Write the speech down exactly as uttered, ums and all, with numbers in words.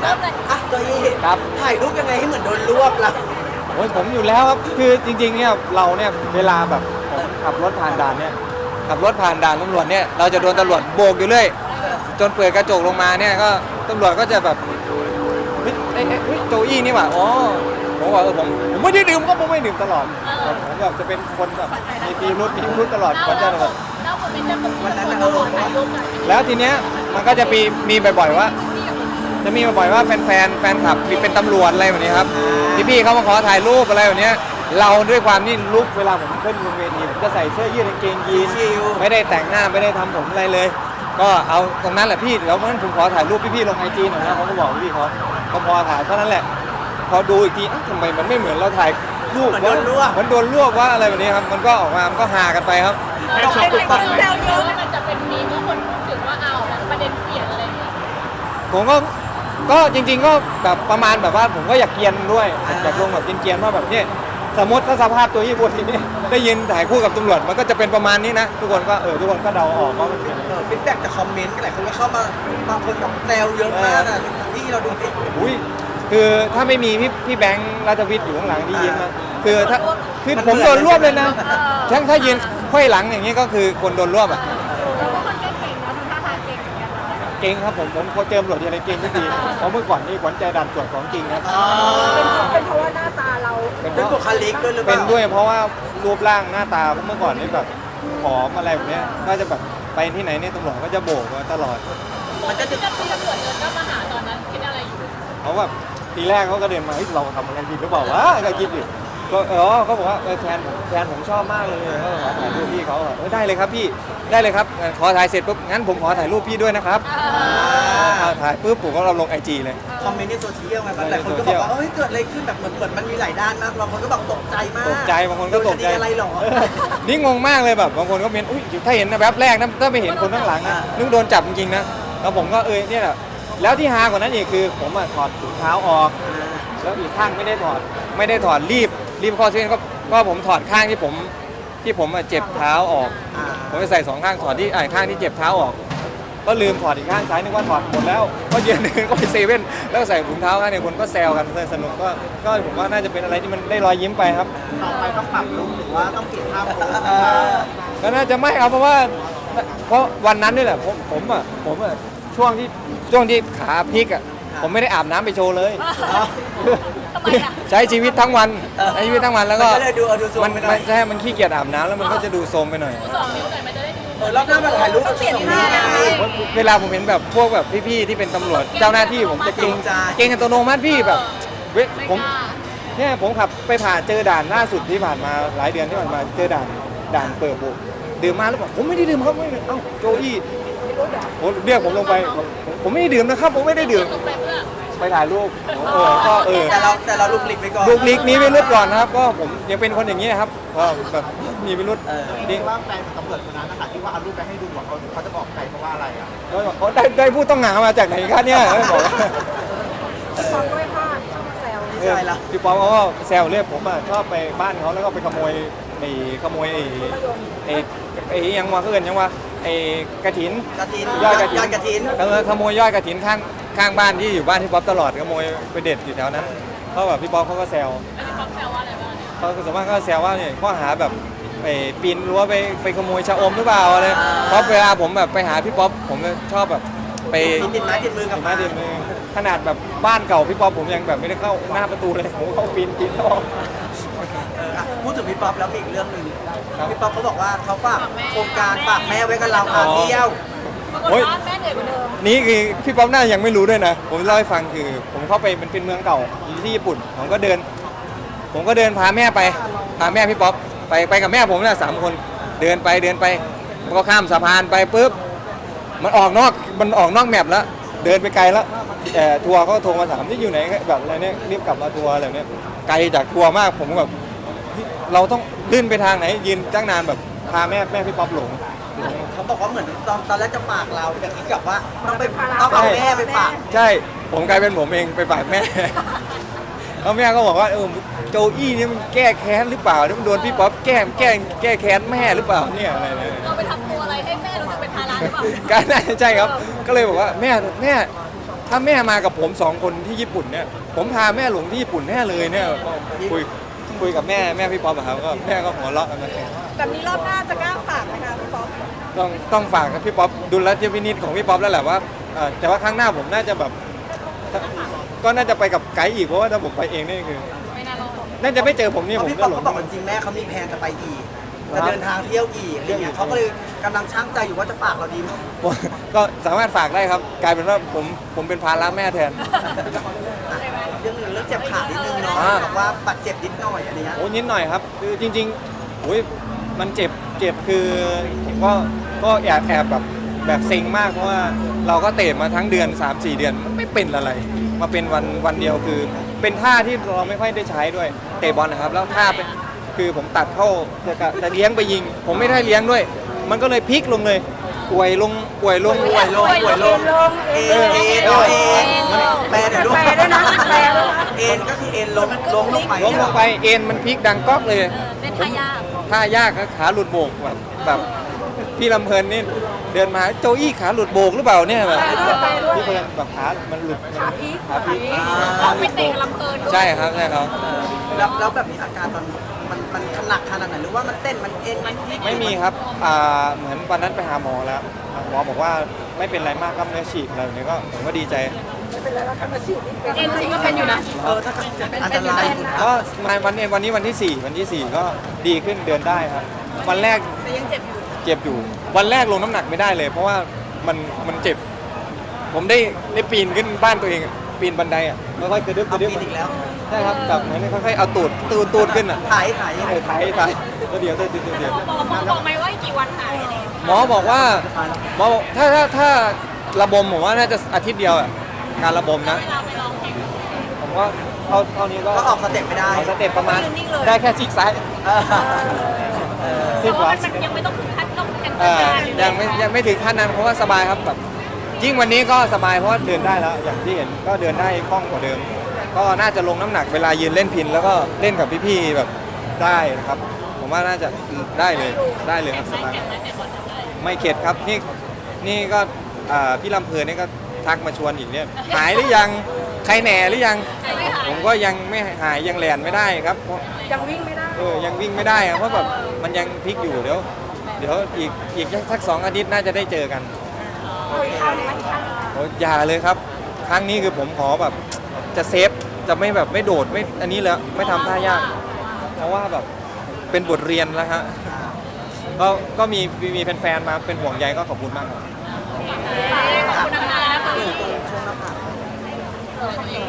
นะอ่ะโจยี่ครับถ่ายรูปยังไงให้เหมือนโดนรวบล่ะโอ้ยผมอยู่แล้วครับคือจริงๆเนี่ยเราเนี่ยเวลาแบบผมขับรถผ่านด่านเนี่ยขับรถผ่านด่านตำรวจเนี่ยเราจะโดนตำรวจโบกอยู่เรื่อยจนเปิดกระจกลงมาเนี่ยก็ตำรวจก็จะแบบเฮ้ยเอ้ยเฮ้ยโจอี้นี่หว่าอ๋อผมบอกเออผมผมไม่ได้ดื่มก็ผมไม่ดื่มตลอดผมแบบจะเป็นคนแบบมีปีรุ่นมีรุ่นตลอดคนจะแบบวันนั้นเราลงว่าแล้วทีเนี้ยมันก็จะมีมีบ่อยๆว่าจะมีบ่อยๆว่าแฟนๆแฟนคลับมีเป็นตำรวจอะไรแบบนี้ครับพี่ๆเขามาขอถ่ายรูปอะไรแบบนี้เราด้วยความนี่ลุกเวลาผมขึ้นบนเวทีผมจะใส่เสื้อยืดกางเกงยีนไม่ได้แต่งหน้าไม่ได้ทำผมอะไรเลยก็เอาตรงนั้นแหละพี่แล้วเพราะฉะนั้นผมขอถ่ายรูปพี่ๆลงไอจีหน่อยนะเขาก็บอกพี่เขาเขาพอถ่ายเท่านั้นแหละพอดูอีกทีทำไมมันไม่เหมือนเราถ่ายรูปมันโดนรวบมันโดนรวบว่าอะไรแบบนี้ครับมันก็ออกมามันก็ฮากันไปครับเราเป็นคนแซวเยอะมันจะเป็นมีเมื่อคนพูดถึงว่าเอาแล้วประเด็นเปลี่ยนอะไรอย่างเงี้ยผมก็ก็จริงๆก็แบบประมาณแบบว่าผมก็อยากเกียนด้วยอยากลงแบบเกียนๆว่าแบบนี้สมมติถ้าสภาพตัวญี่ปุ่นนี้ได้ยินถ่ายคู่กับตำรวจมันก็จะเป็นประมาณนี้นะทุกคนก็เออทุกคนก็เดาออกว่ามันเป็นฟีดแบ็กจากคอมเมนต์หลายคนก็เข้ามาบางคนแบบแซวเยอะมากอ่ะที่เราดูดิอุ้ยคือถ้าไม่มีพี่พี่แบงค์ราชวิทย์อยู่ข้างหลังที่ยิ้มนะคือถ้าคือผมโดนรวบเลยนะทั้งถ้ายืนค่อยหลังอย่างนี้ก็คือคนโดนรวบอ่ะเราก็คนเก่งๆเนาะทำท่าทางเก่งเหมือนกันเก่งครับผมผมพอเจอตำรวจอะไรเก่งทุกทีเพราะเมื่อก่อนนี่ขวัญใจด่านตรวจของจริงครับเป็นเพราะว่าหน้าตาเราเป็นบุคลิกด้วยหรือเปล่าเป็นด้วยเพราะว่ารูปร่างหน้าตาเมื่อก่อนนี่แบบผอมอะไรแบบนี้ก็จะแบบไปที่ไหนเนี่ยตำรวจก็จะโบกมาตลอดมันจะถึงกับที่ตำรวจเดินก็มาหาตอนนั้นคิดอะไรอยู่เขาแบบทีแรกเขาก็เดินมาเฮ้ยเราทำอะไรผิดหรือเปล่าวะก็คิดอยู่ก็เออเขาบอกว่าแฟนผมแฟนผมชอบมากเลยก็ขอถ่ายรูปพี่เขาเออได้เลยครับพี่ได้เลยครับขอถ่ายเสร็จปุ๊บงั้นผมขอถ่ายรูปพี่ด้วยนะครับถ่ายปุ๊บผมก็เราลงไอจีเลยคอมเมนต์ในโซเชียลไงหลายคนก็บอกว่าเฮ้ยเกิดอะไรขึ้นแบบเหมือนเหมือนมันมีหลายด้านมากบางคนก็บอกตกใจมากตกใจบางคนก็ตกใจอะไรหรอนี่งงมากเลยแบบบางคนก็เมนอุ้ยถ้าเห็นนะแบบแรกนะถ้าไม่เห็นคนข้างหลังนะนึกโดนจับจริงๆนะแล้วผมก็เออเนี่ยแหละแล้วที่ฮากว่านั้นอีกคือผมอะถอดถุงเท้าออกแล้วอีกข้างไม่ได้ถอดไม่ได้ถอดรีบรีบข้อเส้นก็ก็ผมถอดข้างที่ผมที่ผมเจ็บเท้าออกผมไปใส่สองข้างถอดที่อ่าข้างที่เจ็บเท้าออกก็ลืมถอดอีกข้างซ้ายนึกว่าถอดหมดแล้วก็ยืนเดินก็ไปเซเว่นแล้วใส่ถุงเท้าข้างเนี่ยคนก็แซวกันสนุกก็ก็ผมว่าน่าจะเป็นอะไรที่มันได้รอยยิ้มไปครับต่อไปต้องปรับลุคหรือว่าต้องเปลี่ยนท่าโพสก็น่าจะไม่ครับเพราะว่าเพราะวันนั้นนี่แหละผมผมอ่ะผมอ่ะช่วงที่ช่วงที่ขาพลิกอ่ะผมไม่ได้อาบน้ำไปโชว์เลยใช้ชีวิตทั้งวันใช้ชีวิตทั้งวันแล้วก็มันมันใช่มันขี้เกียจอาบน้ำแล้วมันก็จะดูโทรมไปหน่อยสองนิ้วหน่อยมันจะได้ดูเออรอบหน้ามาถ่ายรูปเปลี่ยนท่าเวลาผมเห็นแบบพวกแบบพี่ๆที่เป็นตำรวจเจ้าหน้าที่ผมจะเก่งเก่งอัตโนมัติพี่แบบเว้ยผมเนี่ยผมขับไปผ่านเจอด่านล่าสุดที่ผ่านมาหลายเดือนที่ผ่านมาเจอด่านด่านเปิดบุกดื่มมาแล้วบอกผมไม่ได้ดื่มครับไม่เอ้าโจอี้ผมเรียกผมลงไปผมไม่ได้ดื่มนะครับผมไม่ได้ดื่มไปถ่ายรูปเออก็เออแต่เราแต่เราลุกลิกไปก่อนลุกลิกนี้ไปรุดก่อนนะครับก็ผมยังเป็นคนอย่างนี้ครับก็แบบมีไปรุดนี่ว่าแฟนตำรวจคนนั้นนะคะที่ว่าเอารูปไปให้ดูเขาเขาจะบอกใครเพราะว่าอะไรอ่ะเขาได้ได้ผู้ต้องหามาจากไหนกันเนี่ยบอกพี่ป๊อปก็ไม่พลาดชอบแซวใช่แล้วพี่ป๊อปเขาก็แซวเรียกผมอ่ะชอบไปบ้านเขาแล้วก็ไปขโมยไอ้ขโมยไอ้ไอ้ไอ้ยังว่าเพื่อนยังว่าไอ้กระถินกระถินยอดกระถินยอดกระถินเออขโมยยอดกระถินข้างข้างบ้านที่อยู่บ้านพี่ป๊อปตลอดขโมยไปเด็ดอยู่แถวนั้นเพราะแบบพี่ป๊อปเขาก็แซวพี่ป๊อปแซวว่าอะไรบ้างเขาสมมติเขาแซวว่าเนี่ยข้อหาแบบไปปีนรั้วไปไปขโมยชะอมหรือเปล่าอะไรเพราะเวลาผมแบบไปหาพี่ป๊อปผมชอบแบบไปติดไม้ติดมือกับไม้ติดมือขนาดแบบบ้านเก่าพี่ป๊อปผมยังแบบไม่ได้เข้าหน้าประตูเลยผมเข้าปีนปีนออกพูดถึงพี่ป๊อปแล้วมีอีกเรื่องหนึ่งพี่ป๊อปเขาบอกว่าเขาฝากโครงการฝากแม่ไว้กับเราพาเที่ยวโอ้ยนี่คือพี่ป๊อปน่ายังไม่รู้ด้วยนะผมเล่าให้ฟังคือผมเข้าไปมันเป็นเมืองเก่าที่ญี่ปุ่นผมก็เดินผมก็เดินพาแม่ไปพาแม่พี่ป๊อปไปไปกับแม่ผมเนี่ยสามคนเดินไปเดินไปก็ข้ามสะพานไปปุ๊บมันออกนอกมันออกนอกแมปแล้วเดินไปไกลแล้วแต่ทัวร์เขาโทรมาถามที่อยู่ไหนแบบอะไรเนี่ยรีบกลับมาทัวร์อะไรเนี่ยไกลจากทัวร์มากผมแบบเราต้องลื่นไปทางไหนยืนตั้งนานแบบพาแม่แม่พี่ป๊อปหลงเขาบอกว่าเหมือนตอนตอนแรกจะฝากเราแต่คิดกับว่าต้องไปต้องเอาแม่ไปฝากใช่ผมกลายเป็นผมเองไปฝากแม่แล้วแม่ก็บอกว่าเออโจอี้นี่มันแก้แค้นหรือเปล่าที่มันโดนพี่ป๊อปแก้แก้แก้แค้นแม่หรือเปล่าเนี่ยอะไรเนี่ยเราไปทำตัวอะไรให้แม่รู้สึกเป็นภาระหรือเปล่าก็น่าจะใช่ครับก็เลยบอกว่าแม่แม่ถ้าแม่มากับผมสองคนที่ญี่ปุ่นเนี่ยผมพาแม่หลงที่ญี่ปุ่นแน่เลยเนี่ยก็คุยคุยกับแม่แม่พี่ป๊อปอะครับก็แม่ก็หัวเราะกันนะแบบนี้รอบหน้าจะกล้าฝากไหมคะพี่ป๊อปต้องต้องฝากกับพี่ป๊อปดุลยพินิจของพี่ป๊อปแล้วแหละว่าเอ่อแต่ว่าครั้งหน้าผมน่าจะแบบก็น่าจะไปกับไกด์อีกเพราะว่าถ้าผมไปเองนี่คือไม่น่ารอดน่าจะไม่เจอผมนี่เพผราะมพี่ก็ป๊อปหลงเขาบอกว่าจริงๆแม่เขามีแผนจะไปอีกจะเดินทางเที่ยวอีกอะไรเงี้ยเขาก็เลยกำลังช่างใจอยู่ว่าจะฝากเราดีไหมก็สามารถฝากได้ครับ กลายเป็นว่าผมผมเป็นภาระแม่แทนเรื่องหนึ่งเรื่องเจ็บขานิดนึงเนาะอ่าบอกว่าบาดเจ็บนิดหน่อยอะไรเงี้ยโอ้นิดหน่อยครับคือจริงๆโอ้ยมันเจ็บเจ็บคือก็ก็แอบแอบแบบแบบเซ็งมากเพราะว่าเราก็เตะมาทั้งเดือน สามสี่ เดือนมันไม่เป็นอะไร มาเป็นวันวันเดียวคือ เป็นท่าที่เราไม่ค่อยได้ใช้ด้วยเตะบอลนะครับ แล้วท่าเป็นคือผมตัดเข้าจะกะจะเลี้ยงไปยิง ผมไม่ได้เลี้ยงด้วย มันก็เลยพลิกลงเลยป่วยลงป่วยลงป่วยลงป่วยลงเอ็นเอ็นเอ็นแปลเดี๋ยวลูกแปลด้วยนะแปลด้วยนะเอ็นก็คือเอ็นล้มล้มลงไปล้มลงไปเอ็นมันพลิกดังก๊อกเลยเป็นทายาทท่ายากนะขาหลุดโบกแบบแบบพี่ลำเพลินนี่เดินมาโจอี้ขาหลุดโบกหรือเปล่าเนี่ยแบบพี่เพลินแบบขามันหลุดขาพีกขาพีกต้องไปเตะลำเพลินใช่ครับใช่ครับแล้วแล้วแบบนี้อาการตอนมันมันหนักขนาดไหนหรือว่ามันเส้นมันเอ็นมันพลิกไม่มีครับอ่าเหมือนวันนั้นไปหาหมอแล้วหมอบอกว่าไม่เป็นไรมากกล้ามเนื้อฉีกอะไรแบบนี้ก็ผมก็ดีใจเอ็นจริงก็เป็นอยู่นะเออถ้าเกิดอันตรายอยู่นะก็มาวันนี้วันนี้วันที่สี่วันที่สี่ก็ดีขึ้นเดินได้ครับวันแรกแต่ยังเจ็บอยู่เจ็บอยู่ วันแรกลงน้ำหนักไม่ได้เลย เพราะว่ามันมันเจ็บ ผมได้ได้ปีนขึ้นบ้านตัวเองอะปีนบันไดอ่ะค่อยๆกระดึ๊บกเอาระดึ๊บปีนอีกแล้วใช่ครับแบบเหมือนค่อยๆเอาตูดตูดตูดขึ้นอ่ะถ่ายถ่ายเออถ่ายถ่ายแล้วเดี๋ยวเดี๋ยวเดี๋ยวเดี๋ยวหมอหมอบอกไหมว่าอีกกี่วันหายอะไรอย่างเงี้ยหมอบอกว่าหมอบอกถ้าถ้าถ้าระบมผมว่าน่าจะอาทิตย์เดียวอะการระบมนะเวลาไปลองแข่งผมว่าเท่าเท่านี้ก็ก็ออกสเต็ปไม่ได้เอาสเต็ปประมาณได้แค่ซีกซ้ายเออเออซีแต่กขวาว่ามันยังไม่ต้องถึงขั้นต้องแข่งเออยังไม่ยังไม่ถึงขั้นนั้นเพราะว่าสบายครับแบบยิ่งวันนี้ก็สบายเพราะว่าเดินได้แล้ว อย่างที่เห็นก็เดินได้คล่องกว่าเดิม ก็น่าจะลงน้ำหนักเวลายืนเล่นพิน แล้วก็เล่นกับพี่ๆแบบได้นะครับ ผมว่าน่าจะได้เลยได้เลยครับสบายแข่งได้แต่บอลทำได้ไม่เข็ดครับนี่นี่ก็อ่าพี่ลำเพลินนี่ก็ทักมาชวนอีกเนี่ยหายหรือยังใครแหน่หรือยังใครไม่หายผมก็ยังไม่หายยังแลนไม่ได้ครับเพราะยังวิ่งไม่ได้เออยังวิ่งไม่ได้ครับเพราะแบบมันยังพลิกอยู่เดี๋ยวเดี๋ยวอีกอีกสักสองอาทิตย์น่าจะได้เจอกันโอ้ยอย่าเลยครับ ครั้งนี้คือผมขอแบบจะเซฟจะไม่แบบไม่โดดไม่อันนี้แล้วไม่ทำท่ายาก เพราะว่าแบบเป็นบทเรียนแล้วฮะก็ก็มีมีแฟนๆมาเป็นห่วงใยก็ขอบคุณมากครับขอบคุณนะคะ